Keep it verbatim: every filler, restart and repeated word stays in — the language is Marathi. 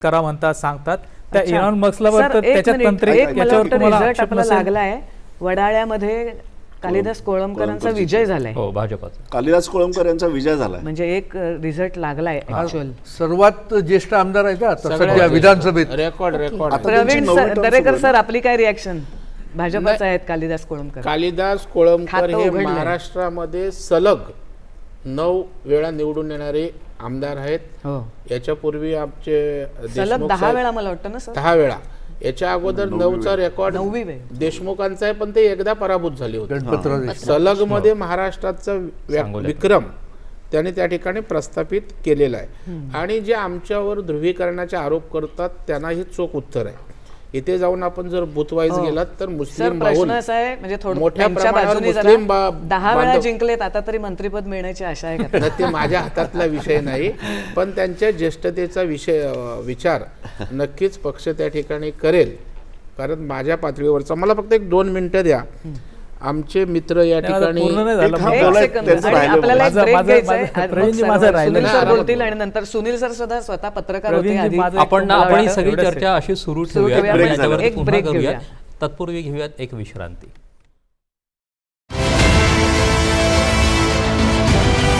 करा म्हणतात सांगतात त्या अच्छा. इलॉन मस्कला सर, तर एक त्याच्यात मिनिट, तंत्रिक एक मला याच्यावर वाटतं तुम्हाला रिझल्ट आक्षेप आपला नसेल. लागलाय वडाळ्यामध्ये कालिदास कोळंबकरांचा कोळंबकर विजय झालाय. हो भाजपाचा. कालिदास कोळंबकर यांचा विजय झालाय. म्हणजे एक रिझल्ट लागलाय ऍक्च्युअल. सर्वात ज्येष्ठ आमदार आहेत आता सगळ्यात सध्या ज्येष्ठ. विधानसभेत. रेकॉर्ड रेकॉर्ड आता प्रवीण त्यांची नववी सर- term दरेकर सुरू सर आहे. आपली काय रिॲक्शन? भाजपचा आहेत कालिदास कोळंबकर. कालिदास कोळंबकर खातं हे उघडलंय. महाराष्ट्रामध्ये सलग नऊ वेळा निवडून येणारे आमदार आहेत. हो, याच्यापूर्वी आमचे सलग देशमुख दहा साहेब- वेळा मला वाटतं ना सर. दहा वेळा. याच्या अगोदर नऊचा रेकॉर्ड नववी वेळ. देशमुखांचा आहे, पण ते एकदा पराभूत झाले होते. गणपतराव देशमुख. सलग मध्ये महाराष्ट्राचा व्या- सांगोल्यात. विक्रम त्याने त्या ठिकाणी प्रस्थापित केलेला आहे. आणि जे आमच्यावर ध्रुवीकरणाचे आरोप करतात त्यांना ही चोख उत्तर आहे. इथे जाऊन आपण जर बुथवाईज हो. गेलात तर सर मुस्लिम प्रश्न भाऊन असा आहे म्हणजे थोडं मोठ्या त्यांच्या प्रमाणावर बाजूने जरा मुस्लिम बा- दहा वेळा बांधव- जिंकलेत आता तरी मंत्रीपद मिळण्याची आशा आहे का? न ते माझ्या हातातला विषय नाही, पण त्यांच्या ज्येष्ठतेचा विषय अ, विचार नक्कीच पक्ष त्या ठिकाणी करेल. कारण माझ्या पातळीवरचा मला फक्त एक दोन मिनिटं द्या. आमचे मित्र या नाही, माझं ठिकाणी पूर्ण नाही झालं. एक हा एक बोलाय- सेकंद. त्यांचं आणि राहिलं आपल्याला एक माझं- ब्रेक माझं- घ्यायचा आहे. माझं- मग प्रवीणजी, सर्व- माझं राहिलं. सुनील सर नाही, बोलतील आणि नंतर सुनील सर सुद्धा स्वतः पत्रकार होते प्रवीणजी, आधी. माझं एक आपण ना तुम्हाला आपण ही वाटतं सगळी एवढंच आहे. चर्चा अशी सुरू सुरू ठेवूया ठेवूया. आणि break याच्यावरती एक पुन्हा break करूया. घेऊया. तत्पूर्वी घेऊयात एक विश्रांती.